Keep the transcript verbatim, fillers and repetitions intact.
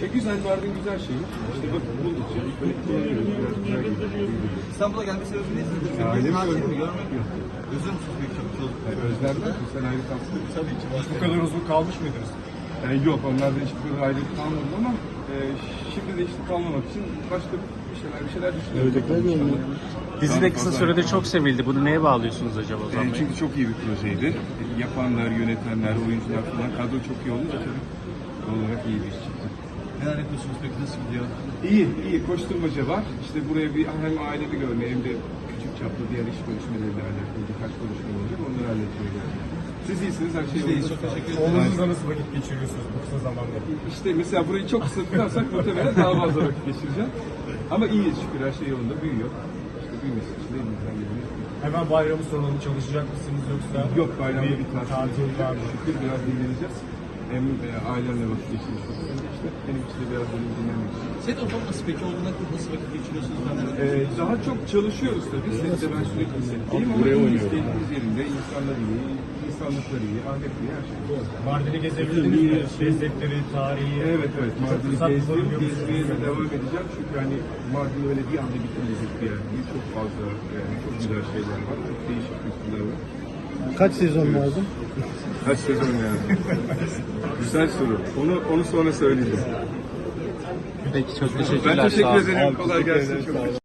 E güzel, Mardin güzel şey. İşte bak buldukça kullanıyoruz. Biraz güzel gidiyor. İstanbul'a gelme sebebi ne? Ailemi Tatil mi? görmek. Görmek mi? Özür müsünüz peki çok çok? Özlemden mi? Sen ayrı kalsın. Tabii ki. Bu kadar uzun kalmış mıydınız? Yani yok, onlardan hiçbir kadar ayrı kalmadım ama e, şimdi de işte kalmamak için başka bir şeyler bir şeyler düşünüyorum. Dizi de kısa sürede çok sevildi. Bunu neye bağlıyorsunuz acaba Ozan E, Bey? çünkü çok iyi bir projeydi. E, yapanlar, yönetenler, oyuncular falan kadro çok iyi olunca tabii doğal olarak iyi bir iş çıktı. Neler yapıyorsunuz peki? Nasıl gidiyor? İyi, iyi. Koşturmaca var. İşte buraya bir hem ailemi görmeye hem de küçük çaplı diğer iş görüşmeleriyle alakalı birkaç konuşma olacak. Onları halletmeye geldim. Siz iyisiniz, her şey Biz de iyiyiz, yolunda. çok teşekkür ederiz. Oğlunuzla nasıl vakit geçiriyorsunuz bu kısa zamanda? İşte mesela burayı çok kısa tutarsak muhtemelen daha fazla vakit geçireceğim. Ama iyiyiz şükür, her şey yolunda, büyüyor. İşte büyümesi için de elimizden geleni yapıyoruz. Hemen bayramı soralım, çalışacak mısınız yoksa? Yok, bayramda bir tatil, tatil var mı? Şükür biraz dinleneceğiz. Hem e, ailemle vakit geçirmiş olacağız. İşte benim için de biraz benim dinlenmek için. Set ortamı nasıl peki? Olduğunda nasıl vakit geçiriyorsunuz? Ben de Ee, daha çok çalışıyoruz tabii. Sette ben sürekli setteyim ama iyiyiz, keyfimiz yerinde. İnsanlar iyi, insanlıkları iyi, ahlaklı iyi, her şey iyi. Mardin'i gezebildiniz mi? Lezzetleri, tarihi. Evet evet, Mardin'i Fırsat gezdim, bulabiliyor musunuz? gezmeye de devam edeceğim. Çünkü hani Mardin öyle bir anda bitmeyecek bir yer değil. Çok fazla, yani çok güzel şeyler var, çok değişik kültürler var. Kaç sezon lazım? Kaç sezon yani? Güzel soru. Onu onu sonra söyleyeceğim. Peki çok teşekkürler. Ben teşekkür Sağ olun. ederim. Kolay gelsin. Çok